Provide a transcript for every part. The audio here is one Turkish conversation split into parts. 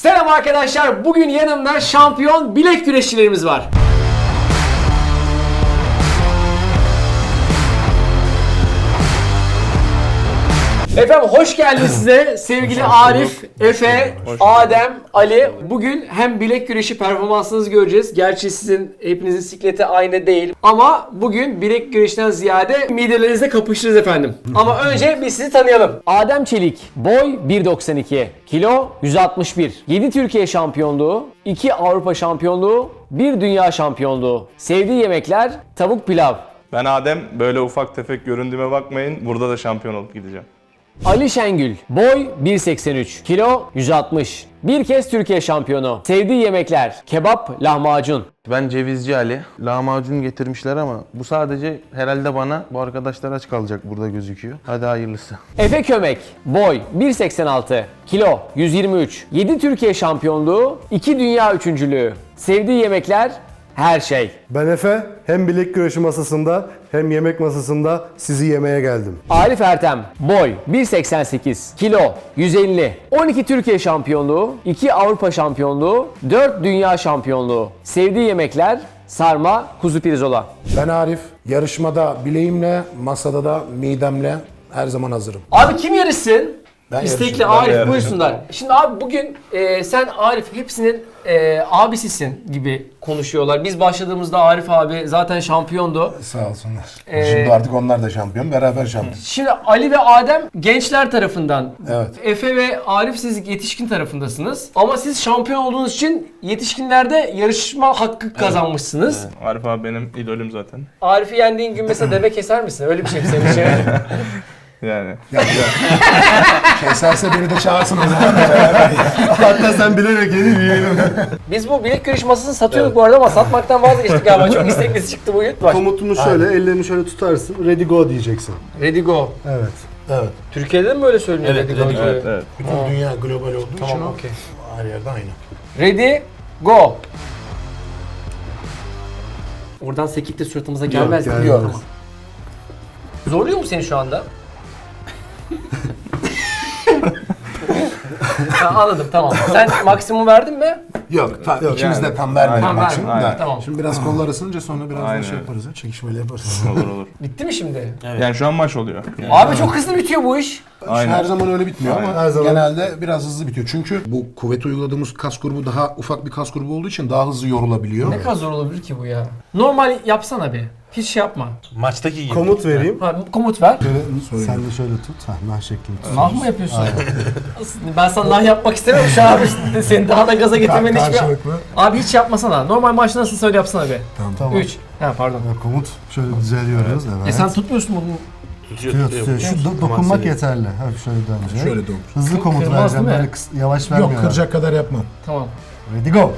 Selam arkadaşlar. Bugün yanımda şampiyon bilek güreşçilerimiz var. Efendim hoş geldiniz size sevgili Arif, Efe, Adem, Ali. Bugün hem bilek güreşi performansınızı göreceğiz. Gerçi sizin hepinizin sikleti aynı değil. Ama bugün bilek güreşinden ziyade midelerinizle kapışırız efendim. Ama önce biz sizi tanıyalım. Adem Çelik, boy 1.92, kilo 161, 7 Türkiye şampiyonluğu, 2 Avrupa şampiyonluğu, 1 dünya şampiyonluğu. Sevdiği yemekler tavuk pilav. Ben Adem, böyle ufak tefek göründüğüme bakmayın. Burada da şampiyon olup gideceğim. Ali Şengül, boy 1.83, kilo 160. Bir kez Türkiye şampiyonu. Sevdiği yemekler kebap, lahmacun. Ben Cevizci Ali. Lahmacun getirmişler ama bu sadece herhalde bana. Bu arkadaşlar aç kalacak burada gözüküyor. Hadi hayırlısı. Efe Kömek, boy 1.86, kilo 123. 7 Türkiye şampiyonluğu, 2 dünya üçüncülüğü. Sevdiği yemekler her şey. Ben Efe, hem bilek güreşi masasında hem yemek masasında sizi yemeye geldim. Arif Ertem, boy 1.88, kilo 150. 12 Türkiye şampiyonluğu, 2 Avrupa şampiyonluğu, 4 dünya şampiyonluğu. Sevdiği yemekler sarma, kuzu pirzola. Ben Arif. Yarışmada bileğimle, masada da midemle her zaman hazırım. Abi kim yarışsın? Ben İstekli yarışırım. Arif buyursunlar. Şimdi abi bugün sen Arif hepsinin abisisin gibi konuşuyorlar. Biz başladığımızda Arif abi zaten şampiyondu. Sağ olsunlar. Şimdi artık onlar da şampiyon, beraber şampiyon. Şimdi Ali ve Adem gençler tarafından. Evet. Efe ve Arif siz yetişkin tarafındasınız. Ama siz şampiyon olduğunuz için yetişkinlerde yarışma hakkı kazanmışsınız. Arif abi benim idolüm zaten. Arif'i yendiğin gün mesela deve keser misin? Öyle bir şey mi senin için? Yani. Keserse beni de çağırsın o zaman. Hatta sen bilerek yeni yiyelim. Biz bu bilek güreş masasını satıyorduk bu arada ama satmaktan vazgeçtik galiba. Çok isteklisi çıktı bugün. Bak. Komutumuz şöyle, ellerini şöyle tutarsın, ready go diyeceksin. Ready go. Evet. Evet. Türkiye'de de mi böyle söyleniyor ready go? Evet, evet. Bütün dünya global olduğu için Tamam, o okey. her yerde aynı. Ready, go. Oradan sekip de suratımıza gelmez gelmez. biliyorum. Zorluyor mu seni şu anda? Ha, anladım tamam. Sen maksimum verdin mi? Yok, ikimiz de tam vermedik Tamam, bak şimdi. aynen, de. tamam. Şimdi biraz kollar ısınınca sonra biraz Aynen. da şey yaparız. Çekişmeli yaparız. Olur olur. Bitti mi şimdi? Yani şu an maç oluyor. Yani. Abi çok hızlı bitiyor bu iş. Aynen. Her zaman öyle bitmiyor Aynen. ama Her zaman. genelde biraz hızlı bitiyor. Çünkü bu kuvvet uyguladığımız kas grubu daha ufak bir kas grubu olduğu için daha hızlı yorulabiliyor. Ne kadar zor olabilir ki bu ya? Normal yapsana bir. Hiç şey yapma. Maçtaki gibi. Komut vereyim. Ha, komut ver. Şöyle, sen de şöyle tut. Nah şeklini tut. Nah mı yapıyorsun? Aslında ben sana nah yapmak istemiyorum şu an abi. Seni daha da gaza getirmenin hiçbir... Karşılıklı. Abi hiç yapmasana. Normal maçta nasıl söyle yapsana be. Tamam. 3. Ha pardon. Komut şöyle düzeliyoruz. Evet. Sen tutmuyorsun bunu. tutuyor. Şu dokunmak yeterli. Hafif şöyle dönecek. Şöyle dur. Hızlı komut Kırmaz vereceğim. değil mi? Böyle yavaş vermiyorum. Yok, kıracak kadar yapmam. Tamam. Ready go.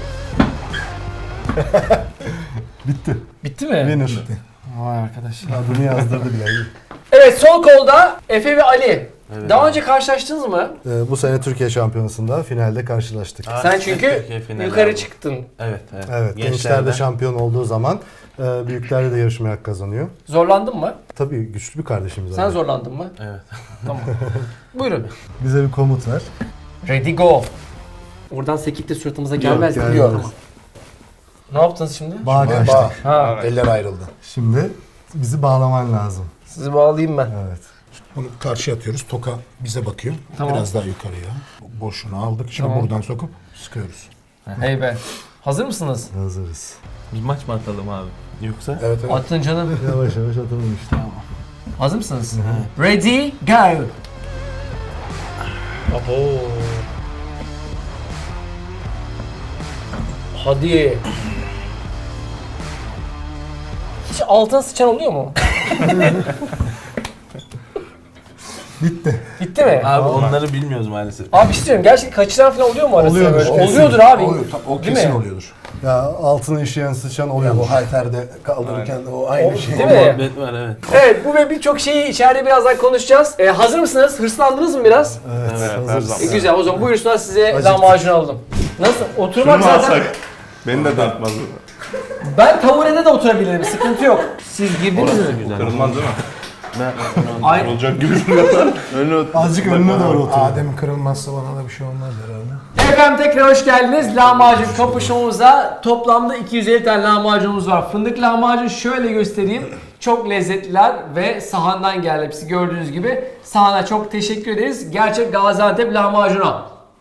Bitti. Bitti mi? Winner. Vay arkadaş. Adını yazdırdı bile. Evet sol kolda Efe ve Ali. Daha önce karşılaştınız mı? Bu sene Türkiye Şampiyonası'nda finalde karşılaştık. Sen çünkü Türkiye finali yukarı aldı. çıktın. Evet, evet. Evet, gençlerde şampiyon olduğu zaman büyüklerde de yarışmaya hak kazanıyor. Zorlandın mı? Tabii güçlü bir kardeşimiz. Sen abi. zorlandın mı? Evet. Tamam. Buyurun. Bize bir komut ver. Ready go. Oradan sekip de suratımıza gelmez gelmez. biliyorum. Ne yaptınız şimdi? Bağ kaçtık. Ha, Eller ayrıldı. Şimdi bizi bağlaman lazım. sizi bağlayayım ben. Evet. Bunu karşıya atıyoruz. Toka bize bakıyor. Tamam. Biraz daha yukarıya. Boşluğunu aldık. Şimdi Tamam. buradan sokup sıkıyoruz. Hey be. Hazır mısınız? Hazırız. Bir maç mı atalım abi? Yoksa? Evet, evet. Atın canım. Yavaş yavaş atalım işte. Hazır mısınız? Ready, go. Hadi. Hiç altına sıçan oluyor mu? Bitti. Bitti mi? Abi onları bilmiyoruz maalesef. Abi bir şey söyleyeyim. Gerçekten kaçıran falan oluyor mu arasında Oluyordur, böyle? kesin. Oluyordur abi. Oluyor, o Değil kesin mi? oluyordur. Ya altına işeyen sıçan oluyor. Ya bu halterde kaldırırken de o aynı şey. Değil mi? Muhabbet var, evet. Evet bu ve birçok şeyi içeride birazdan konuşacağız. Hazır mısınız? Hırslandınız mı biraz? Evet, Evet, her hazırız. zaman. Güzel o zaman buyursunlar size Acıktık. lahmacun alalım. Nasıl? Oturmak Şunu mu zaten... alsak? Beni de dağıtmaz bu. Ben taburede de oturabilirim. Sıkıntı yok. Siz girdiniz mi? Kırılmaz değil mi? Ay, Olacak gibi duruyor. Önüne Azıcık önüne doğru otur. Adem kırılmazsa bana da bir şey olmaz herhalde. Efendim tekrar hoş geldiniz. Lahmacun kapışmamıza toplamda 250 tane lahmacunumuz var. Fındık lahmacun şöyle göstereyim. Çok lezzetliler ve sahandan geldi hepsi gördüğünüz gibi. Sahana çok teşekkür ederiz. Gerçek Gaziantep lahmacuna.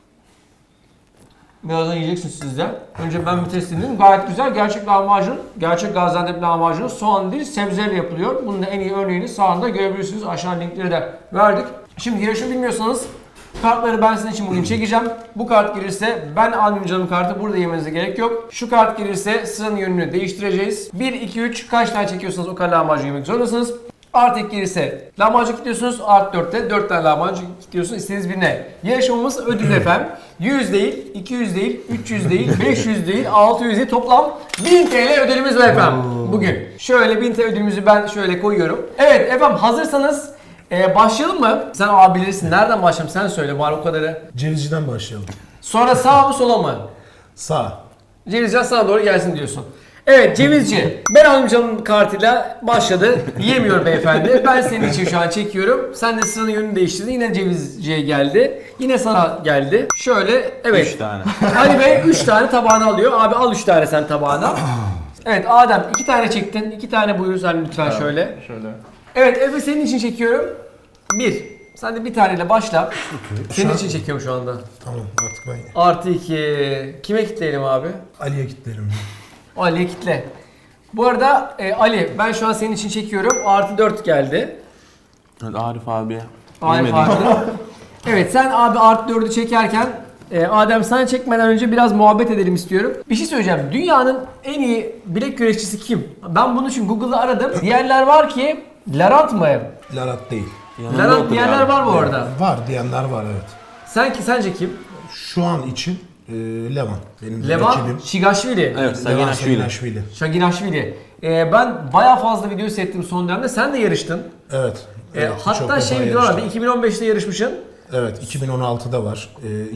Birazdan yiyeceksiniz siz de. Önce ben bir test edeyim. Gayet güzel. Gerçek lahmacun, gerçek Gaziantep lahmacunu soğan değil sebzeyle yapılıyor. Bunun da en iyi örneğini sahanda görebilirsiniz. Aşağı linkleri de verdik. Şimdi yarışı bilmiyorsanız kartları ben sizin için bugün çekeceğim. Bu kart gelirse ben almayayım canım kartı, burada yemenize gerek yok. Şu kart gelirse sıranın yönünü değiştireceğiz. 1, 2, 3 kaç tane çekiyorsanız o kadar lahmacun yemek zorundasınız. Artı 2 gelirse lahmacun kilitliyorsunuz. Artı 4'te 4 tane lahmacun kilitliyorsunuz istediğiniz birine. Yarışmamız ödül efendim. 100 değil, 200 değil, 300 değil, 500 değil, 600 değil, toplam 1000 TL ödülümüz var efendim bugün. Şöyle 1000 TL ödülümüzü ben şöyle koyuyorum. Evet efendim hazırsanız başlayalım mı? Sen abi bilirsin. Nereden başlayalım? Sen söyle bari o kadarı. Cevizciden başlayalım. Sonra sağ mı sola mı? Sağ. Cevizci sana doğru gelsin diyorsun. Evet Cevizci. Ben amcamın kartıyla başladı. Yiyemiyor beyefendi. Ben senin için şu an çekiyorum. Sen de sıranın yönünü değiştirdin. Yine Cevizci'ye geldi. Yine sana geldi. Şöyle evet. 3 tane. Ali Bey 3 tane tabağını alıyor. Abi al 3 tane sen tabağına. Evet Adem 2 tane çektin. 2 tane buyur sen lütfen şöyle. Şöyle. Evet Efe senin için çekiyorum. 1. Sen de bir taneyle başla. Senin için çekiyorum şu anda. Tamam artık ben Artı 2. Kime kitleyelim abi? Ali'ye kilitlerim. Ali'ye kitle. Bu arada Ali ben şu an senin için çekiyorum. Artı 4 geldi. Evet, Arif abiye. Arif Yemediğim- abi. Evet sen abi artı 4'ü çekerken Adem sen çekmeden önce biraz muhabbet edelim istiyorum. Bir şey söyleyeceğim. Dünyanın en iyi bilek güreşçisi kim? Ben bunu çünkü Google'da aradım. Diğerler var ki Larant mı? Larat değil. Yanında Larant otur diğerler abi. var bu arada. Var diyenler var evet. Sence kim? Şu an için Levan. Benim Levan rakibim. Şigaşvili. Evet, Levan Saginaşvili. Saginaşvili. Şaginashvili. Ben bayağı fazla video seyrettim son dönemde. Sen de yarıştın. Evet. evet, çok Hatta defa video vardı. yarıştım. 2015'te yarışmışsın. Evet 2016'da var.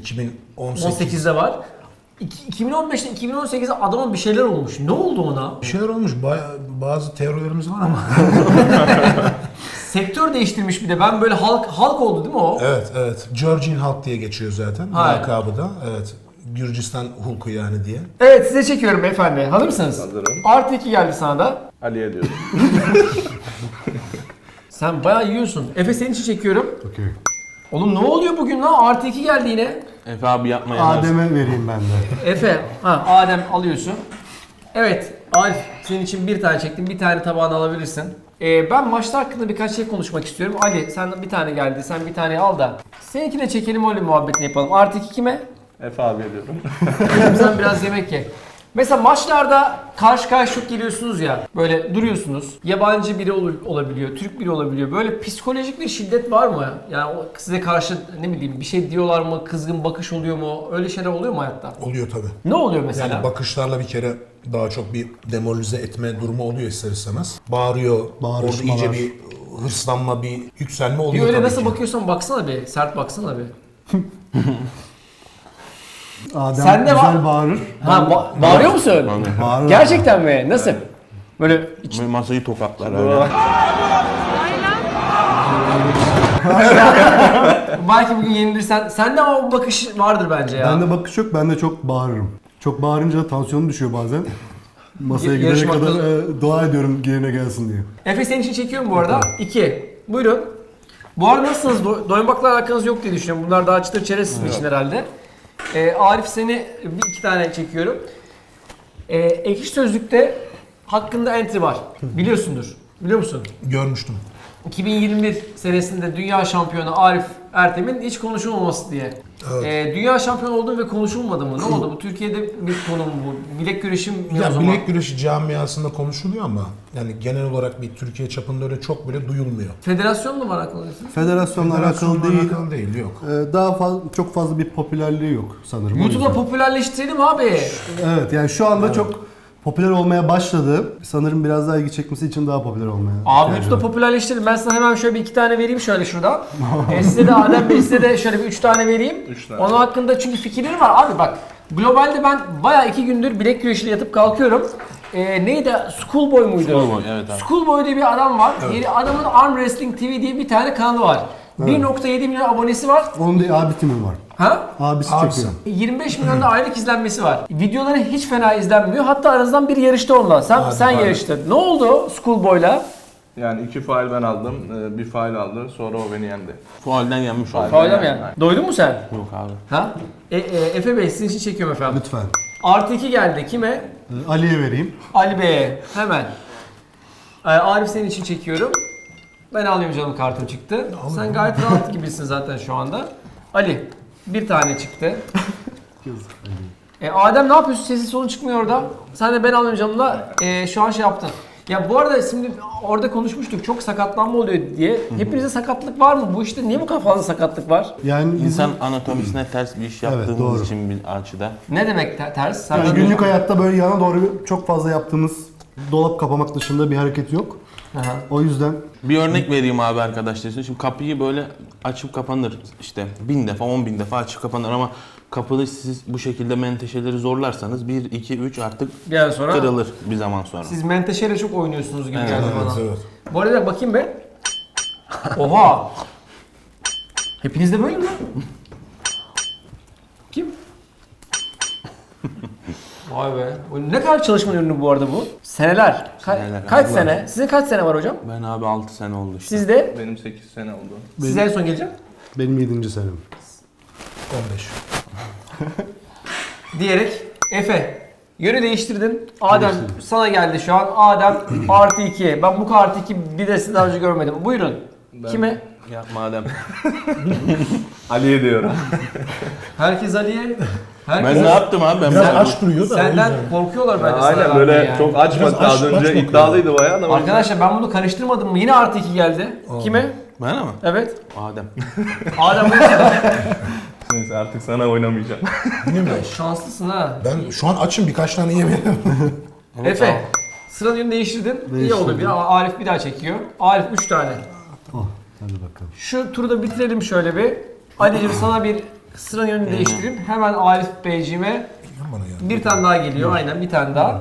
2018. 18'de var. 2015'te 2018'de adamın bir şeyler olmuş. Ne oldu ona? Bir şeyler olmuş. Bazı teorilerimiz var ama. Sektör değiştirmiş bir de. Ben böyle halk oldu değil mi o? evet evet. Georgian Halk diye geçiyor zaten. Hayır. Lakabı da. Evet. Gürcistan Hulku yani diye. Evet size çekiyorum beyefendi. Hazır mısınız? Hazırım. Artı 2 geldi sana da. Ali'ye diyorum. Sen bayağı yiyorsun. Efe senin için çekiyorum. Okey. Oğlum ne oluyor bugün lan? Artı 2 geldi yine. Efe abi yapma ya. Adem'e vereyim ben de. Efe, Adem alıyorsun. Evet, Arif senin için bir tane çektim, bir tane tabağını alabilirsin. Ben maçlar hakkında birkaç şey konuşmak istiyorum. Ali sen bir tane geldi, sen bir tane al da. Seninkine çekelim öyle muhabbetini yapalım. Artı 2 kime? Efe abiye diyorum. Sen biraz yemek ye. Mesela maçlarda karşı karşıya geliyorsunuz ya, böyle duruyorsunuz. Yabancı biri olabiliyor, Türk biri olabiliyor. Böyle psikolojik bir şiddet var mı? Yani size karşı ne bileyim bir şey diyorlar mı, kızgın bakış oluyor mu? Öyle şeyler oluyor mu hayatta? Oluyor tabii. Ne oluyor mesela? Yani bakışlarla bir kere daha çok bir demoralize etme durumu oluyor ister istemez. Bağırıyor. Orada Bağırışmalar. iyice bir hırslanma, bir yükselme Bir oluyor öyle tabii nasıl ki. bakıyorsan baksana bir, sert baksana bir. Adem Sen de güzel bağırır. Bağırıyor musun? Bağırır. Gerçekten mi? Nasıl? Böyle Böyle masayı tokatlar öyle. belki bugün yenilirsen, sende ama o bakış vardır bence ya. Bende bakış yok, ben de çok bağırırım. Çok bağırınca tansiyonum düşüyor bazen. Masaya gidene Yarışmakta- kadar dua ediyorum yerine gelsin diye. Efe senin için çekiyorum bu arada. 2. Buyurun. Bu arada nasılsınız? Doymakla alakanız yok diye düşünüyorum. Bunlar daha çıtır çerez sizin için herhalde. Arif seni bir iki tane çekiyorum. Ekşi Sözlük'te hakkında entry var. Biliyorsundur. Biliyor musun? Görmüştüm. 2021 senesinde dünya şampiyonu Arif Ertem'in hiç konuşulmaması diye. Evet. Dünya şampiyonu oldu ve konuşulmadı mı? Ne oldu? Bu Türkiye'de bir konu mu bu? Bilek güreşi mi o Ya zaman? bilek güreşi camiasında konuşuluyor ama yani genel olarak bir Türkiye çapında öyle çok bile duyulmuyor. Federasyon mu var aklında? Federasyonla alakalı değil. Alakalı değil, yok. Daha fazla, çok fazla bir popülerliği yok sanırım. O YouTube'da yüzden. popülerleştirelim abi. Evet, yani şu anda çok popüler olmaya başladı. Sanırım biraz daha ilgi çekmesi için daha popüler olmaya. Abi ihtiyacı YouTube'da var. popülerleştirelim. Ben sana hemen şöyle bir iki tane vereyim şöyle şuradan. Size de Adem Bey size de şöyle bir 3 tane vereyim. 3 tane. Onun hakkında çünkü fikirleri var. Abi bak globalde ben bayağı 2 gündür bilek güreşiyle yatıp kalkıyorum. Neydi? Schoolboy muydu? Schoolboy, evet abi. Schoolboy diye bir adam var. Adamın Arm Wrestling TV diye bir tane kanalı var. 1.7 milyon abonesi var. Onun da abi timim var. Ha? Abisi Abisi. çekiyor. 25 milyon da aylık izlenmesi var. Videoları hiç fena izlenmiyor. Hatta aranızdan biri yarıştı onunla. Sen yarıştın. Ne oldu Schoolboy'la? Yani 2 faul ben aldım, bir faul aldı. Sonra o beni yendi. Fualden yenmiş oldu. Faul'e mi yani? Doydun mu sen? Yok abi. Ha? Efe Bey sizin için çekiyorum efendim. Lütfen. Artı 2 geldi. Kime? Ali'ye vereyim. Ali Bey'e. Hemen. Arif senin için çekiyorum. Ben alayım canım, kartım çıktı. Sen gayet rahat gibisin zaten şu anda. Ali bir tane çıktı. Adem ne yapıyorsun? Sesi sonu çıkmıyor orada. Sen de ben alayım canımla şu an şey yaptın. Ya bu arada şimdi orada konuşmuştuk, çok sakatlanma oluyor diye. Hepinizde sakatlık var mı? Bu işte niye bu kadar fazla sakatlık var? Yani bizim İnsan anatomisine ters bir iş yaptığımız doğru. için bir açıda. Ne demek ters? yani günlük hayatta böyle yana doğru çok fazla yaptığımız dolap kapamak dışında bir hareket yok. Aha. O yüzden Bir örnek vereyim abi arkadaşlar. Şimdi kapıyı böyle açıp kapanır işte 1000 defa 10.000 defa açıp kapanır ama kapıyı siz bu şekilde menteşeleri zorlarsanız 1, 2, 3 artık Bir ay sonra kırılır bir zaman sonra. siz menteşeyle çok oynuyorsunuz gibi geldi bana. Evet. Bu arada bakayım be. Oha. Hepinizde böyle mi? Kim? Vay be. Ne kadar çalışma ürünü bu arada bu? Seneler. Seneler. Kaç sene? Sizin kaç sene var hocam? Ben abi 6 sene oldu işte. Sizde? Benim 8 sene oldu. Siz en son geleceğim. benim 7. senem. 15. Diyerek Efe. Yönü değiştirdin. Adem sana geldi şu an. Adem artı 2. Ben bu artı 2 bir de sizi daha önce görmedim. Buyurun. Kime? Ya madem. Ali'ye diyorum. Herkes Ali'ye. Herkes Ben ne yaptım abi? Ben Biraz ben- aç duruyor da. o Senden yüzden. korkuyorlar bence. sana Aynen vermeye böyle yani. çok açmadı Biraz az aç önce bakıyor. iddialıydı bayağı ama. Arkadaşlar ben bunu karıştırmadım mı? Yine artı 2 geldi. Kime? Ben ama. Evet. Adem. Adem Neyse artık sana oynamayacağım. şanslısın ha. Ben şu an açım, birkaç tane yemedim. Efe. Sıranın yönünü değiştirdin. İyi oldu. Arif bir daha çekiyor. Arif 3 tane. Oh, hadi bakalım. Şu turu da bitirelim şöyle bir. Ali'cim sana bir sıranın yönünü değiştireyim. Hemen Arif Beyciğime Bana ya. bir tane daha geliyor. Aynen bir tane daha.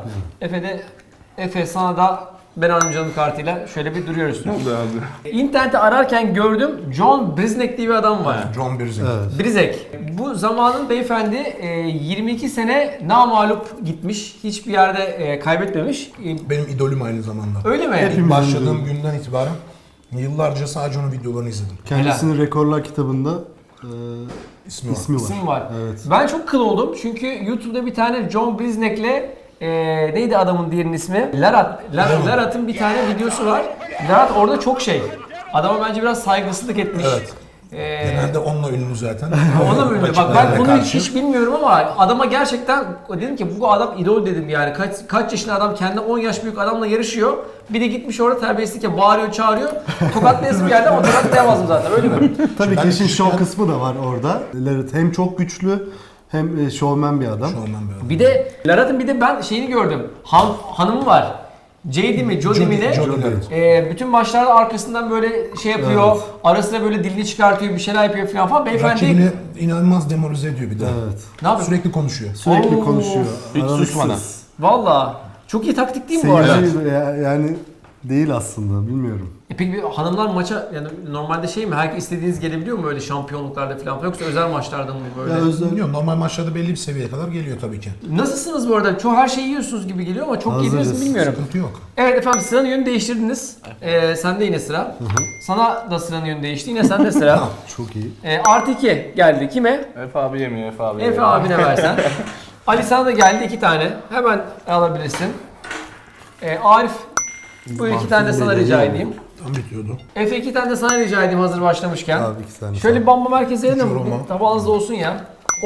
Efe sana da ben amcanın kartıyla şöyle bir duruyoruz. Ne oldu abi? İnternette ararken gördüm, John Briznek diye bir adam var. John Birzing. Evet. Brizek. Bu zamanın beyefendi 22 sene namağlup gitmiş. Hiçbir yerde kaybetmemiş. Benim idolüm aynı zamanda. Öyle mi? Hepimiz- Başladığım günden itibaren yıllarca sadece onun videolarını izledim. Kendisinin rekorlar kitabında İsmi var. ismi var. İsim var. Evet. Ben çok kıl oldum çünkü YouTube'da bir tane John Briznek'le neydi adamın diğerinin ismi? Larat'ın bir tane videosu var. Larat orada çok şey. Adama bence biraz saygısızlık etmiş. Evet. Genelde onunla ünlü zaten. Ona mı ünlü? Bak ben Rakiplere bunu karşı. hiç bilmiyorum ama adama gerçekten dedim ki bu adam idol dedim yani. Kaç yaşında adam kendi 10 yaş büyük adamla yarışıyor. Bir de gitmiş orada terbiyesizlik ya bağırıyor çağırıyor. Tokatlayasım geldi ama tokatlayamazdım zaten öyle mi? Tabii Ben ki işin küçükken- şov kısmı da var orada. Larry hem çok güçlü hem şovmen bir adam. Şu an ben böyle. Bir de Larat'ın bir de ben şeyini gördüm. hanımı var. JD mi, Jody mi ne? Jody, evet. Bütün maçlarda arkasından böyle şey yapıyor. Evet. Ara sıra böyle dilini çıkartıyor, bir şeyler yapıyor falan. Beyefendi Rakibini inanılmaz demoralize ediyor bir de. Evet. ne yapıyor? Sürekli konuşuyor. Sürekli Oo. konuşuyor. Hiç aralıksız. susmadan. Valla. Çok iyi taktik değil mi bu arada? Seyirci yani değil aslında, bilmiyorum. Peki bir hanımlar maça yani normalde şey mi? Herkes istediğiniz gelebiliyor mu öyle şampiyonluklarda falan? Yoksa özel maçlarda mı böyle? Ya özel Bilmiyorum, normal maçlarda belli bir seviyeye kadar geliyor tabii ki. Nasılsınız bu arada? Çoğu her şeyi yiyorsunuz gibi geliyor ama çok Hazırız. yediniz mi bilmiyorum. Sıkıntı yok. Evet efendim sıranın yönünü değiştirdiniz. Sende yine sıra. Sana da sıranın yönü değişti. Yine sende sıra. çok iyi. Artı 2 geldi. Kime? Efe abi yemiyor, Efe abi Efe yemiyor. abine versen. Ali sana da geldi 2 tane. Hemen alabilirsin. Arif bu 2 tane de sana rica edeyim. Tam bitiyordu. Efe 2 tane de sana rica edeyim hazır başlamışken. Abi 2 tane. Şöyle bir bamba merkezi edelim mi? yorulma. Tabağınızda olsun ya.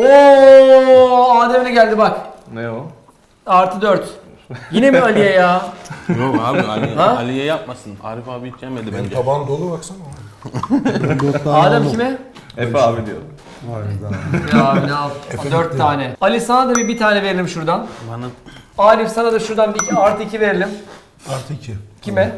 Oo, Adem'e geldi bak. Ne o? Artı 4. Yine mi Ali'ye ya? Yok abi Ha? Ali'ye yapmasın. Arif abi hiç yemedi Benim bence. tabağım dolu baksana. Adem kime? Efe abi diyor. Ya abi ne al? 4 tane. Ali sana da bir tane verelim şuradan. Bana Arif sana da şuradan bir artı 2 verelim. Artı 2. Kime?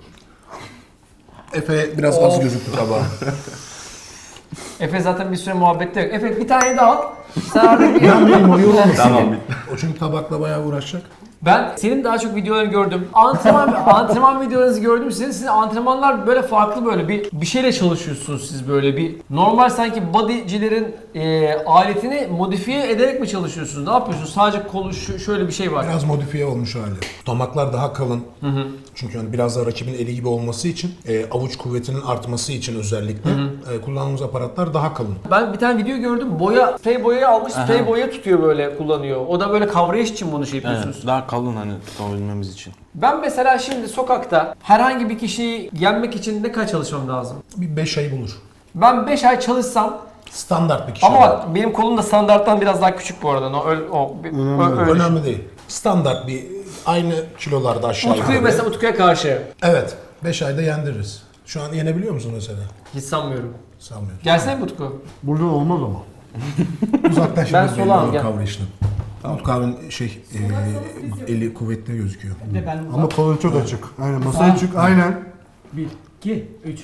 Efe biraz az gözüktü tabağı. Efe zaten bir süre muhabbette yok. Efe bir tane daha al. Sen artık bir... Benim o yorulmasın. Tamam bitti. O çünkü tabakla bayağı uğraşacak. Ben senin daha çok videolarını gördüm. Antrenman videolarınızı gördüm. Sizin antrenmanlar böyle farklı, böyle bir şeyle çalışıyorsunuz siz, böyle bir normal sanki bodycilerin aletini modifiye ederek mi çalışıyorsunuz? Ne yapıyorsunuz? Sadece kolu şöyle bir şey var. Biraz modifiye olmuş hali. Tutamaklar daha kalın. Çünkü hani biraz daha rakibin eli gibi olması için, avuç kuvvetinin artması için özellikle kullandığımız aparatlar daha kalın. Ben bir tane video gördüm. Sprey boyayı almış, sprey boya tutuyor, böyle kullanıyor. O da böyle kavrayış için bunu şey yapıyorsunuz. Evet, daha kalın hani tutabilmemiz için. Ben mesela şimdi sokakta herhangi bir kişiyi yenmek için ne kadar çalışmam lazım? Bir 5 ay bulur. Ben 5 ay çalışsam, Standart bir kişi. ama bak benim kolum da standarttan biraz daha küçük bu arada. Öyle. Önemli değil. Standart bir aynı kilolarda aşağı Utku'yu yukarı. mesela, Utku'ya karşı Evet. 5 ayda yendiririz. Şu an yenebiliyor musun mesela? hiç sanmıyorum. Sanmıyorum. Gelsene mi Utku? Buradan olmaz ama. Uzaktan şimdi Ben belli solağım, olur gel. kavrayışını. Utku abinin eli kuvvetli gözüküyor. Ama kolun çok açık. Aynen masaya çık. Aynen. 1, 2, 3.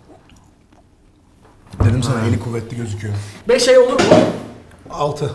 Dedim sana eli kuvvetli gözüküyor. 5 ay olur mu? 6.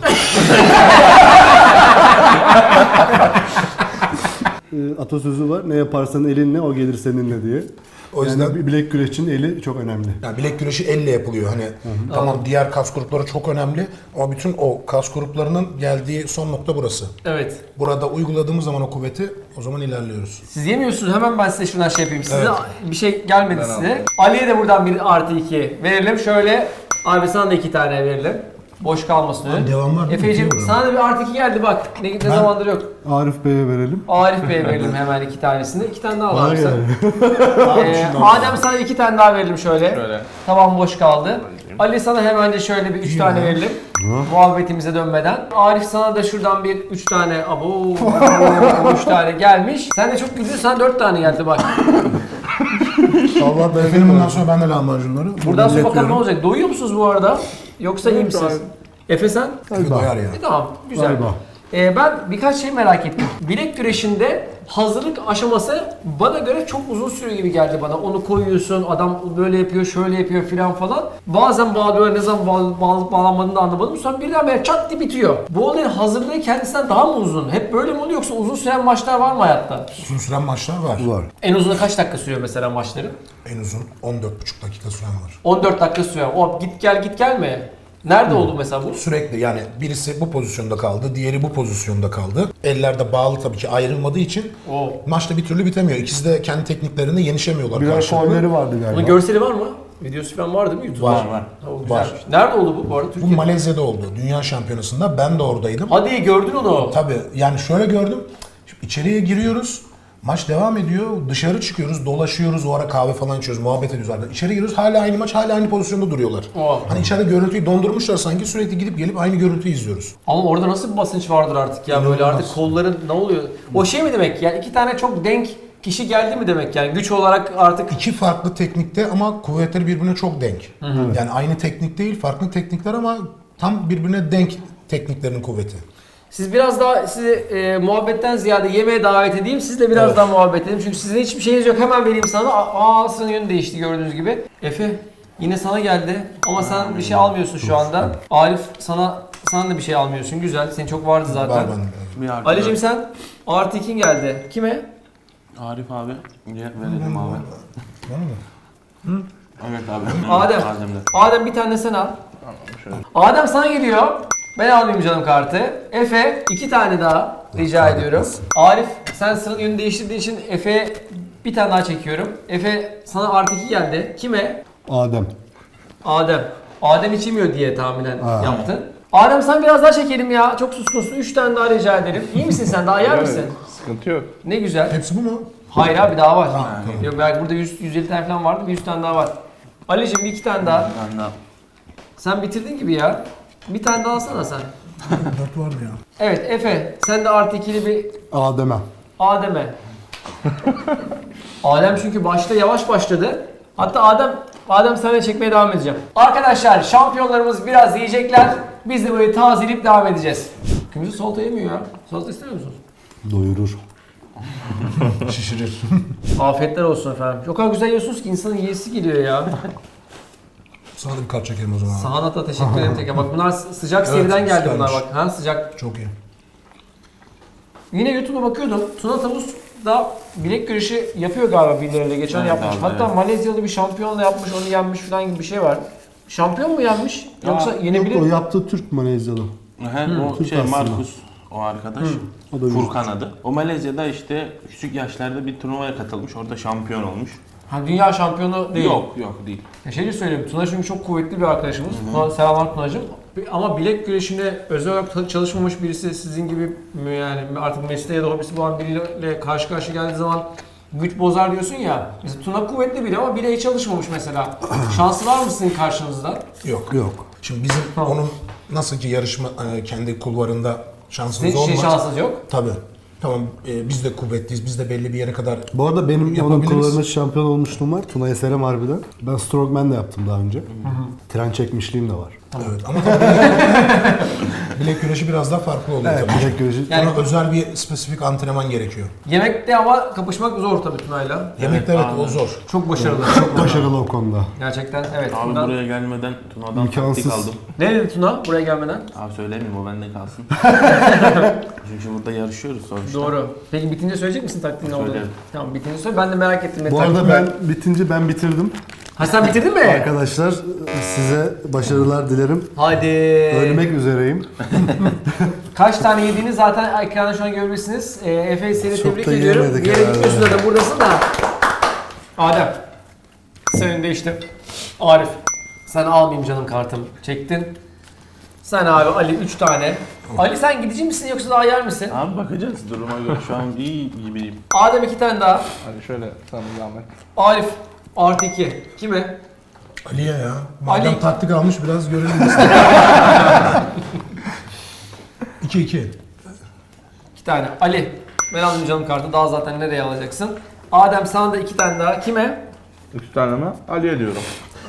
Atasözü var. Ne yaparsan elinle o gelir seninle diye. O yüzden Yani bir bilek güreşçinin eli çok önemli. yani bilek güreşi elle yapılıyor. Hani tamam diğer kas grupları çok önemli ama bütün o kas gruplarının geldiği son nokta burası. Evet. Burada uyguladığımız zaman o kuvveti o zaman ilerliyoruz. Siz yemiyorsunuz, hemen ben size şuradan şey yapayım. Size bir şey gelmedi size. Ali'ye de buradan bir artı 2 verelim. Şöyle, abi sana da 2 tane verelim. Boş kalmasın önün. Devam var mı? Efeciğim Bitiyor sana da bir artı 2 geldi bak. Ne zamandır yok. Arif Bey'e verelim. Arif Bey'e verelim hemen 2 tanesini. 2 tane daha Bana var sen. geldi. Adem sana 2 tane daha verelim şöyle. Şöyle. Tamam, boş kaldı. Ali sana hemen de şöyle bir 3 tane verelim. Muhabbetimize dönmeden. Arif sana da şuradan bir 3 tane, 3 tane gelmiş. Sen de çok güldün, sana 4 tane geldi bak. Allah Benim bundan sonra ben de lahmacunları. Buradan sonra bakalım ne iletiyorum. olacak. Doyuyor musunuz bu arada? Yoksa iyi misiniz? Efe sen? Efe doyar ya. Tamam, güzel. Galiba. Ben birkaç şey merak ettim. Bilek güreşinde hazırlık aşaması bana göre çok uzun sürüyor gibi geldi bana. Onu koyuyorsun, adam böyle yapıyor, şöyle yapıyor filan falan. Bazen bağlıyor, ne zaman bağlanmadığını da anlamadım. Sonra birdenbire çat diye bitiyor. Bu olayın hazırlığı kendisinden daha mı uzun? Hep böyle mi oluyor, yoksa uzun süren maçlar var mı hayatta? Uzun süren maçlar var. Var. En uzun kaç dakika sürüyor mesela maçları? En uzun 14,5 dakika süren var. 14 dakika sürüyor. O git gel mi? Nerede oldu mesela bu? Sürekli yani birisi bu pozisyonda kaldı, diğeri bu pozisyonda kaldı. Eller bağlı tabii ki ayrılmadığı için Oo. maçta bir türlü bitemiyor. İkisi de kendi tekniklerinde yenişemiyorlar Birer karşılıklı. faulleri vardı galiba. Bunun görseli var mı? Videosu falan var değil mi YouTube'da? Var. Var. Ha, o Var. güzelmiş. Nerede oldu bu arada? Bu Türkiye'de. Malezya'da oldu. Dünya Şampiyonası'nda. Ben de oradaydım. Hadi gördün onu. Tabii yani şöyle gördüm. Şimdi içeriye giriyoruz. Maç devam ediyor. Dışarı çıkıyoruz, dolaşıyoruz. O ara kahve falan içiyoruz, muhabbet ediyoruz. İçeri giriyoruz. Hala aynı maç, hala aynı pozisyonda duruyorlar. Oha. Hani içeride görüntüyü dondurmuşlar sanki. Sürekli gidip gelip aynı görüntüyü izliyoruz. Ama orada nasıl bir basınç vardır artık ya, böyle İnanılmaz. artık kolların ne oluyor? O şey mi demek yani, 2 tane çok denk kişi geldi mi demek yani, güç olarak artık? İki farklı teknikte ama kuvvetleri birbirine çok denk. Yani aynı teknik değil, farklı teknikler ama tam birbirine denk tekniklerin kuvveti. Siz biraz daha, sizi muhabbetten ziyade yemeğe davet edeyim. Sizle biraz daha muhabbet edelim. Çünkü sizin hiçbir şeyiniz yok. Hemen vereyim sana. Ağzının yönü değişti gördüğünüz gibi. Efe yine sana geldi. Ama sen bir şey almıyorsun şu anda. Arif sana da bir şey almıyorsun. Güzel. Senin çok vardı zaten. Var bende. Bir artı Ali'cim sen artı 2'in geldi. Kime? Arif abi. Verelim abi. Var mı? Evet abi. Adem. Adem'de. Adem bir tane sen al. Şöyle. Adem sana geliyor. Ben almayayım canım kartı. Efe 2 tane daha rica ediyorum. Arif sen sıranın yönünü değiştirdiğin için Efe'ye bir tane daha çekiyorum. Efe sana artı 2 geldi. Kime? Adem. Adem. Adem içemiyor diye tahminen Ha. yaptın. Adem sen biraz daha çekelim ya. Çok suskunsun. 3 tane daha rica ederim. İyi misin sen? Daha yer misin? Sıkıntı yok. Ne güzel. Hepsi bu mu? Hayır abi, daha var. Tamam. Yok belki burada 150 tane falan vardı. Bir 100 tane daha var. Ali'cim 2 tane daha. Ben de Sen bitirdin gibi ya. Bir tane daha alsana sen. 4 var mı ya? Evet Efe sen de artı 2'li bir Adem'e. Adem'e. Adem çünkü başta yavaş başladı. Hatta Adem seninle çekmeye devam edeceğim. Arkadaşlar şampiyonlarımız biraz yiyecekler. Biz de böyle tazeleyip devam edeceğiz. Kimse salata yemiyor ya. Salata istemiyor musunuz? Doyurur. Şişirir. Afiyetler olsun efendim. O kadar güzel yiyorsunuz ki insanın yiyesi geliyor ya. Sana da bir kart çekelim o zaman. Sana da teşekkür ederim tekrar. Bak bunlar sıcak Evet, seriden geldi bunlar süpermiş. bak. Ha sıcak. Çok iyi. Yine YouTube'a bakıyordum. Tuna Tavus da bilek güreşi yapıyor galiba birileriyle. Geçen Evet yapmış. abi, Hatta evet. Malezyalı bir şampiyonla yapmış, onu yenmiş falan gibi bir şey var. Şampiyon mu yenmiş? Yoksa Yok, yenebilir o mi? yaptığı Türk Malezyalı. O Türk şey aslında. Markus o arkadaş. O da Furkan adı. O Malezya'da işte küçük yaşlarda bir turnuvaya katılmış. Orada şampiyon olmuş. Ha, dünya şampiyonu değil. Yok değil. Ya şey de söyleyeyim, Tuna çünkü çok kuvvetli bir arkadaşımız. Tuna, selamlar Tuna'cığım. Ama bilek güreşine özel olarak çalışmamış birisi sizin gibi yani artık mesleği ya da hobisi olan biriyle karşı karşıya geldiği zaman güç bozar diyorsun ya. Mesela Tuna kuvvetli biri ama bileği çalışmamış mesela. Şansı var mı sizin karşınızda? Yok. Yok. Şimdi bizim Tamam. onun nasıl ki yarışma kendi kulvarında şansımız Sizin olmaz. şansınız yok. Tabii. Tamam biz de kuvvetliyiz. Biz de belli bir yere kadar Bu arada benim onun Yapabiliriz. kullarında şampiyon olmuşluğum var. Tuna'ya selam harbiden. Ben Strongman de yaptım daha önce. Tren çekmişliğim de var. evet ama tabii bilek güreşi biraz daha farklı oluyor Evet, tabii. bilek güreşi. Yani- Buna özel bir spesifik antrenman gerekiyor. Yemekte ama kapışmak zor tabii Tuna'yla. Yemekte evet aynen. o zor. Çok başarılı. Çok başarılı o konuda. Gerçekten evet. Abi Bundan- buraya gelmeden Tuna'dan İmkansız. taktik aldım. Ne dedi Tuna buraya gelmeden? Abi söylemeyeyim o bende kalsın. Çünkü burada yarışıyoruz sonuçta. Doğru. Peki bitince söyleyecek misin taktiğin olduğunu? Söylerim. Tamam bitince söyle. Ben de merak ettim. ne Bu arada taktiği ben var. bitince ben bitirdim. Ha sen bitirdin mi? Arkadaşlar size başarılar dilerim. Hadi. Ölmek üzereyim. Kaç tane yediğini zaten ekranda şu an görebilirsiniz. Efe seni Çok tebrik da ediyorum. yiyemedik Bir yere herhalde. gitmiyorsun zaten buradasın da. Adem. Senin de işte. Arif. Sen almayayım canım kartım. Çektin. Sen abi Ali 3 tane. Ali sen gidici misin yoksa daha yer misin? Abi bakacağız duruma göre şu an iyi gibiyim. Adem 2 tane daha. Hadi şöyle sana zahmet. Arif artı 2. Kime? Ali'ye ya. Madem Ali. taktik almış biraz görelim. 2-2. 2 tane. Ali. Ben aldım canım kartı. Daha zaten nereye alacaksın? Adem sana da 2 tane daha. Kime? 3 tane mi? Ali'ye diyorum.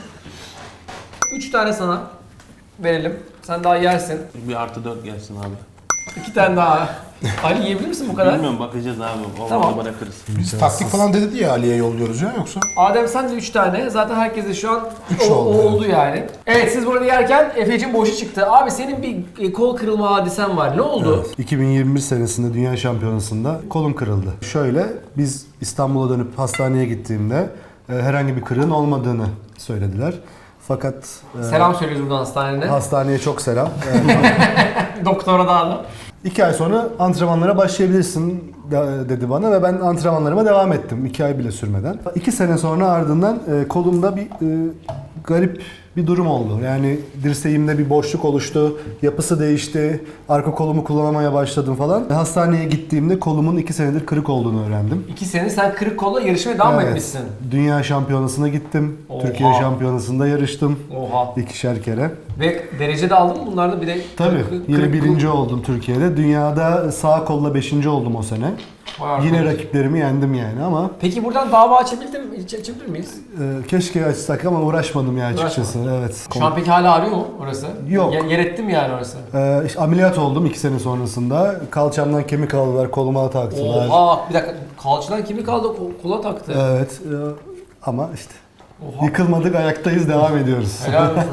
3 tane sana verelim. Sen daha yersin. Bir artı 4 gelsin abi. 2 tane daha. Ali yiyebilir misin bu kadar? Bilmiyorum bakacağız abi. Olmadı Tamam. bırakırız. Biz taktik falan dedi ya Ali'ye yolluyoruz ya yoksa? Adem sen de 3 tane. Zaten herkese şu an Üç o oldu, oldu yani. Evet siz burada yerken Efe'cim boşu çıktı. Abi senin bir kol kırılma hadisen var. Ne oldu? 2021 senesinde Dünya Şampiyonası'nda kolum kırıldı. Şöyle, biz İstanbul'a dönüp hastaneye gittiğimde herhangi bir kırığın olmadığını söylediler. Fakat Selam söylüyoruz buradan hastanene. hastaneye çok selam. Doktora da adam. 2 ay sonra antrenmanlara başlayabilirsin dedi bana ve ben antrenmanlarıma devam ettim. 2 ay bile sürmeden. 2 sene sonra ardından kolumda bir garip bir durum oldu. Yani dirseğimde bir boşluk oluştu, yapısı değişti, arka kolumu kullanamaya başladım falan. Hastaneye gittiğimde kolumun 2 senedir kırık olduğunu öğrendim. 2 sene sen kırık kolla yarışmaya devam Evet. etmişsin. Dünya Şampiyonası'na gittim. Oha. Türkiye Şampiyonası'nda yarıştım. Oha. 2'şer kere. Ve derece de aldın mı bunlarda bir de? Tabii. kırık- Yine kırık- birinci oldum Türkiye'de. Dünyada sağ kolla 5. oldum o sene. Vay Yine arkadaş. rakiplerimi yendim yani ama Peki buradan dava açabilir miyiz? keşke açsak ama uğraşmadım ya açıkçası. Evet. Şu an peki hala ağrıyor mu orası? Yok. Yer etti mi yani orası? İşte ameliyat oldum 2 sene sonrasında. Kalçamdan kemik aldılar, koluma taktılar. Oha bir dakika kalçadan kimi kaldı kola taktı. Evet. Ama işte Oha. yıkılmadık, ayaktayız, devam ediyoruz. Helal olsun.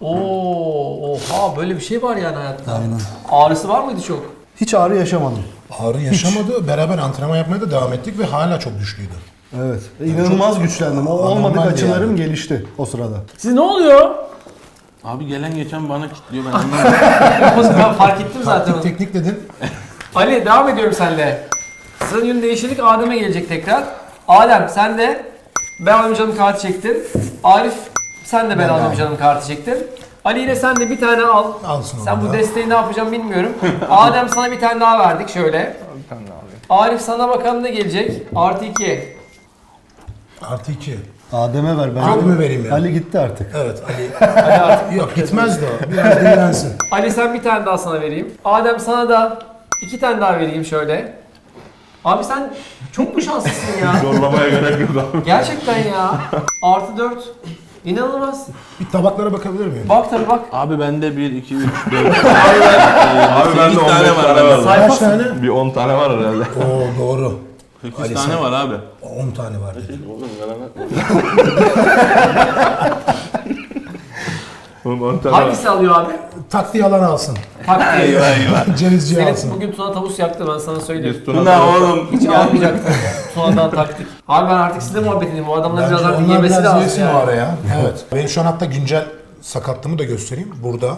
Oha böyle bir şey var yani hayatta. Aynen. Ağrısı var mıydı çok? Hiç ağrı yaşamadım. Ağrı yaşamadı. Beraber antrenman yapmaya da devam ettik ve hala çok güçlüydü. Evet. İnanılmaz güçlendim. O olmadık Anormaldi açılarım yani. gelişti o sırada. Siz ne oluyor? Abi gelen geçen bana kilitliyor ben anlamadım. Ben fark ettim zaten. Taktik teknik dedin. Ali devam ediyorum seninle. Sıranın yönü değiştirdik. Adem'e gelecek tekrar. Adem sen de ben alayım canım kartı çektin. Arif sen de ben alayım aldım. canım kartı çektin. Ali ile sen de bir tane al. Alsın Sen onu bu da. desteği ne yapacağım bilmiyorum. Adem sana bir tane daha verdik şöyle. Bir tane daha alayım. Arif sana bakalım ne gelecek? Artı 2. Artı 2. Adem'e ver ben. Adem'e vereyim ya. Ali gitti artık. Evet Ali. Hadi artık. Yok gitmez de o. Biraz dinlensin. Ali sen bir tane daha sana vereyim. Adem sana da 2 tane daha vereyim şöyle. Abi sen çok mu şanslısın ya? Zorlamaya gerek yok abi. Gerçekten ya. Artı 4. İnanılmaz. Bir tabaklara bakabilir miyim? Bak tabii bak. Abi bende 1, 2, 3, 4. Abi bende 15 tane var. Sayfa- Kaç tane? Bir 10 tane var herhalde. Oo doğru. 8 Ali tane sen- var abi. 10 tane var dedi. Oğlum 10 tane var. Hangisi alıyor abi? Taktiği alan alsın. Taktiği. Cevizciyi Senin alsın. bugün Tuna tavus yaktı ben sana söyleyeyim. Biz Tuna Ne oğlum? Hiç almayacaktım. Tuna'dan taktik. Abi ben artık sizle muhabbet edeyim. Bu adamların Bence biraz artık onlar yemesi biraz lazım yesin o yani. araya. Evet. Benim şu an hatta güncel sakatlığımı da göstereyim. Burada.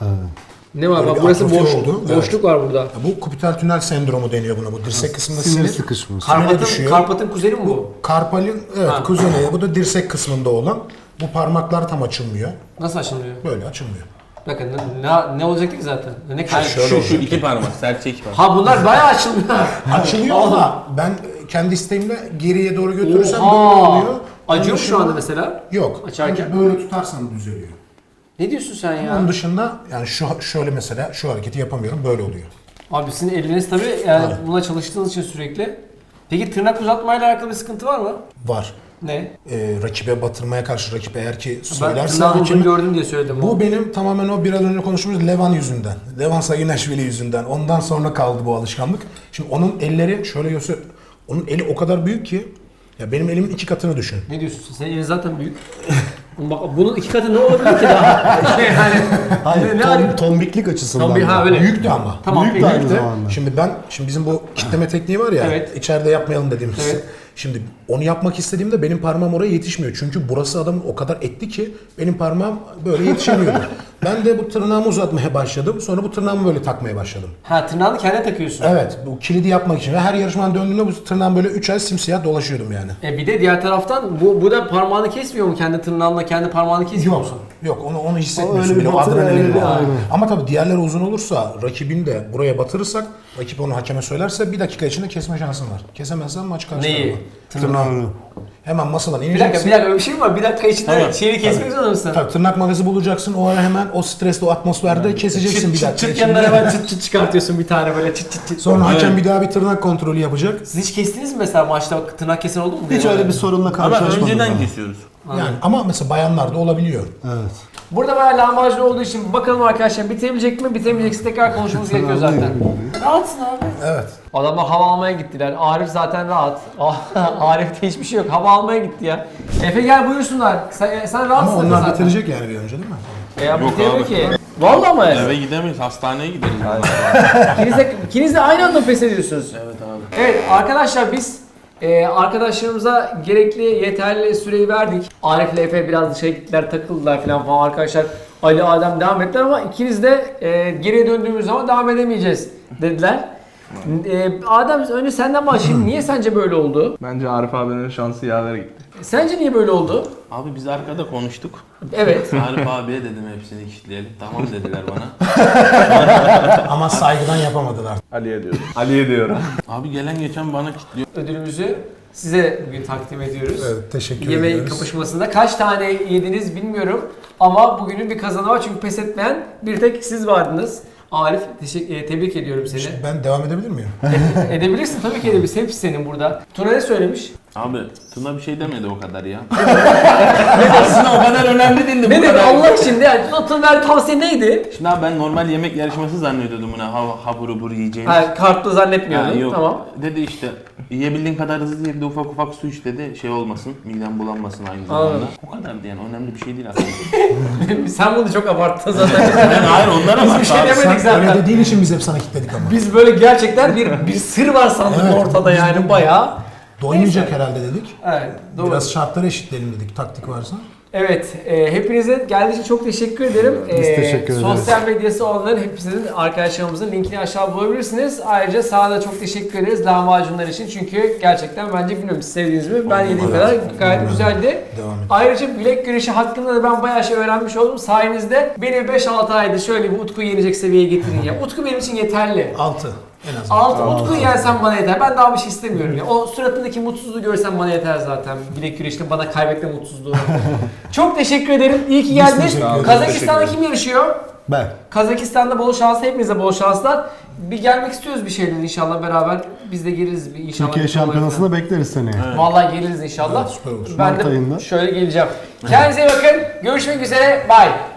Ne var? Böyle Bak bir burası atrofi boş. oldu. Boşluk var burada. Ya bu kupital tünel sendromu deniyor buna. Bu dirsek kısmında Sinir sinir. sıkışması. Sinire düşüyor. Karpat'ın kuzeni mi bu? Karpalin evet Ha. kuzeneyi. Bu da dirsek kısmında olan. Bu parmaklar tam açılmıyor. Nasıl açılmıyor? Böyle açılmıyor. Bakın ne olacaktı ki zaten? Ne kadar? Şöyle Şu iki parmak, serçe iki parmak. Ha bunlar bayağı açılmıyor. Açılıyor ama ben kendi isteğimle geriye doğru götürürsem Oha! böyle oluyor. Acıyor mu Onun şu dışında- anda mesela? Yok. Açarken? Ancak böyle tutarsan düzeliyor. Ne diyorsun sen ya? Onun dışında yani şöyle mesela şu hareketi yapamıyorum böyle oluyor. Abi sizin eliniz tabii yani buna çalıştığınız için sürekli. Peki tırnak uzatmayla alakalı bir sıkıntı var mı? Var. Ne? Rakibe batırmaya karşı rakip eğer ki Ben söylerse tırnağın uzun hakeme- gördüm diye söyledim. bu benim tamamen o biraz önce konuştuğumuz Levan yüzünden. Levan Sayıneşvili yüzünden. Ondan sonra kaldı bu alışkanlık. Şimdi onun elleri şöyle göster. Onun eli o kadar büyük ki ya benim elimin 2 katını düşün. Ne diyorsun? Senin elin zaten büyük. Bak bunun 2 katı ne olabilir ki daha? yani, Hayır, ne tombiklik açısından. Tombi- ha, da. öyle. Büyüktü ama. Tamam Büyük peki. de aynı zamanda. Şimdi bizim bu kitleme tekniği var ya, Evet. içeride yapmayalım dediğimiz. Evet. Şimdi onu yapmak istediğimde benim parmağım oraya yetişmiyor. Çünkü burası adamın o kadar etli ki benim parmağım böyle yetişemiyordu. Ben de bu tırnağımı uzatmaya başladım. Sonra bu tırnağımı böyle takmaya başladım. Ha tırnağını kendine takıyorsun. Evet, bu kilidi yapmak için. Ve her yarışmadan döndüğümde bu tırnağım böyle 3 ay simsiyah dolaşıyordum yani. Bir de diğer taraftan bu da parmağını kesmiyor mu? Kendi tırnağınla kendi parmağını kesmiyor musun? Yok onu O hissetmiyorsun öyle bile. bir O batır, adrenalin öyle bir- var. aynen. Ama tabii diğerleri uzun olursa rakibin de buraya batırırsak rakip onu hakeme söylerse 1 dakika içinde kesme şansın var. Kesemezsen maç karşı Neyi? tarafa. Tırnağı. Hemen masadan Bir ineceksin. dakika öyle bir şey mi var? Bir dakika içinde Tamam. şeyini kesmek zorunda mısın? Tabii tırnak makası bulacaksın. O ara hemen o stresli o atmosferde keseceksin bir dakika çıt içinde. yanından hemen çıt çıt çıkartıyorsun bir tane böyle çıt çıt çıt. Sonra hakem Evet. bir daha bir tırnak kontrolü yapacak. Siz hiç kestiniz mi mesela maçta tırnak kesen oldu mu? Hiç öyle bir sorunla Ama karşılaşmadım. önceden ben. kesiyoruz. Yani ama mesela bayanlarda olabiliyor. Evet. Burada bayağı lahmacun olduğu için bakalım arkadaşlar bitebilecek mi? Bitemeyecekse tekrar konuşmamız gerekiyor zaten. Rahatsın abi. Evet. Adamlar hava almaya gittiler. Arif zaten rahat. Arif'te hiçbir şey yok. Hava almaya gitti ya. Efe gel buyursunlar. Sen Ama rahatsın onlar zaten. bitirecek yani bir önce değil mi? Ya Yok bitemiyor abi. ki. Vallahi mı? Eve gidemeyiz, hastaneye gideriz. İkiniz de aynı anda pes ediyorsunuz. Evet abi. Evet arkadaşlar biz arkadaşlarımıza gerekli yeterli süreyi verdik. Arif ile Efe biraz dışarı gittiler takıldılar falan arkadaşlar. Ali, Adem devam ettiler ama ikiniz de geriye döndüğümüz zaman devam edemeyeceğiz dediler. Adem önce senden başlayayım. Niye sence böyle oldu? Bence Arif abinin şansı yaver gitti. Sence niye böyle oldu? Abi biz arkada konuştuk. Evet. Arif abiye dedim hepsini kilitleyelim. Tamam dediler bana. Ama saygıdan yapamadılar. Ali'ye diyorum. Ali'ye diyorum. Abi gelen geçen bana kilitliyor. Ödülümüzü size bugün takdim ediyoruz. Evet, teşekkür Yemek ediyoruz. kapışmasında kaç tane yediniz bilmiyorum ama bugünün bir kazanı var çünkü pes etmeyen bir tek siz vardınız. Arif tebrik ediyorum seni. Ben devam edebilir miyim? Edebilirsin tabii ki edebilirsin. Hepsi senin burada. Tuna ne söylemiş? Abi Tuna bir şey demedi o kadar ya. Aslında o kadar önemli değildi. Ne bu dedi kadar. Allah için de yani Tuna'nın tavsiye neydi? Şimdi abi ben normal yemek yarışması zannediyordum buna. Habur hubur yiyeceğini. Ha, kartlı zannetmiyordum. Ha, yok. Tamam. Dedi işte yiyebildiğin kadar hızlı ye, bir de ufak ufak su iç dedi. Şey olmasın, miden bulanmasın aynı zamanda. Anladım. O kadardı yani, önemli bir şey değil aslında. Sen bunu çok abarttın zaten. Hayır onlara Biz bak bir şey abi. demedik Sen öyle zaten. dediğin için biz hep sana kilitledik ama. Biz böyle gerçekten bir sır var sandık Evet, ortada biz yani bu- bayağı. Doymayacak Neyse. herhalde dedik. Evet, doğru. Biraz şartları eşitleyelim dedik taktik varsa. Evet, hepinize geldiği için çok teşekkür ederim. Biz teşekkür ederiz. Sosyal medyası olanların hepsinin arkadaşlarımızın linkini aşağı bulabilirsiniz. Ayrıca sana da çok teşekkür ederiz lahmacunlar için çünkü gerçekten bence bilmiyorum siz sevdiğiniz mi? Ben yediğim kadar gayet güzeldi. Devam et. Ayrıca bilek güreşi hakkında da ben bayağı şey öğrenmiş oldum. Sayenizde beni 5-6 ayda şöyle bir Utku'yu yenecek seviyeye getirin ya. Utku benim için yeterli. 6 en azından. Utku'yu yensen bana yeter. Ben daha bir şey istemiyorum ya. O suratındaki mutsuzluğu görsen bana yeter zaten. Bilek güreşte bana kaybetme mutsuzluğu. Çok teşekkür ederim. İyi ki geldiniz. teşekkür ederiz. Kazakistan'da kim yarışıyor? Ben. Kazakistan'da bol şans, hepinize bol şanslar. Bir gelmek istiyoruz bir şeyler inşallah beraber. Biz de geliriz bir inşallah. Türkiye bir şey olur. Şampiyonası'na bekleriz seni. Vallahi geliriz inşallah. Evet, süper olur. Ben Mart de ayında. şöyle geleceğim. Kendinize iyi bakın. Görüşmek üzere. Bye.